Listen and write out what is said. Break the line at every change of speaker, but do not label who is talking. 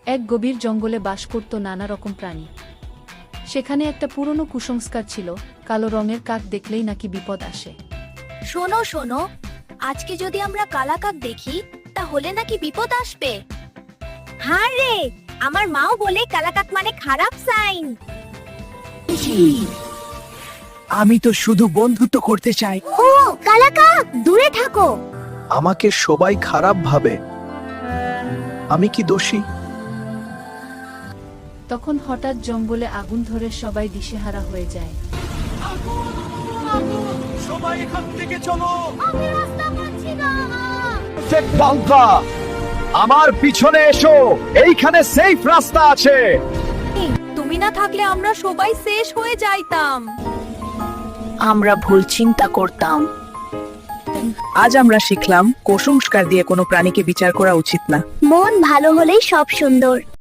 এক গভীর জঙ্গলে বাস করত নানা রকম প্রাণী। সেখানে একটা পুরনো কুসংস্কার ছিল, কালো রঙের কাক দেখলেই নাকি বিপদ আসে।
শোনো শোনো, আজকে যদি আমরা কালাকাক দেখি তাহলে নাকি বিপদ আসবে। হ্যাঁ রে, আমার মাও বলে কালাকাক মানে খারাপ সাইন।
আমি তো শুধু বন্ধুত্ব করতে চাই।
ও কালাকাক, দূরে থাকো।
আমাকে সবাই খারাপ ভাবে, আমি কি দোষী?
তখন হঠাৎ জঙ্গলে আগুন ধরে সবাই দিশেহারা হয়ে যায়।
সবাই এখান থেকে চলো।
আমি রাস্তা পাচ্ছি না।
আমার পিছনে এসো, এইখানে সেফ রাস্তা আছে।
তুমি না থাকলে আমরা সবাই শেষ হয়ে যাইতাম।
আমরা ভুল চিন্তা করতাম। আজ আমরা শিখলাম কুসংস্কার দিয়ে কোনো প্রাণীকে বিচার করা উচিত না।
মন ভালো হলেই সব সুন্দর।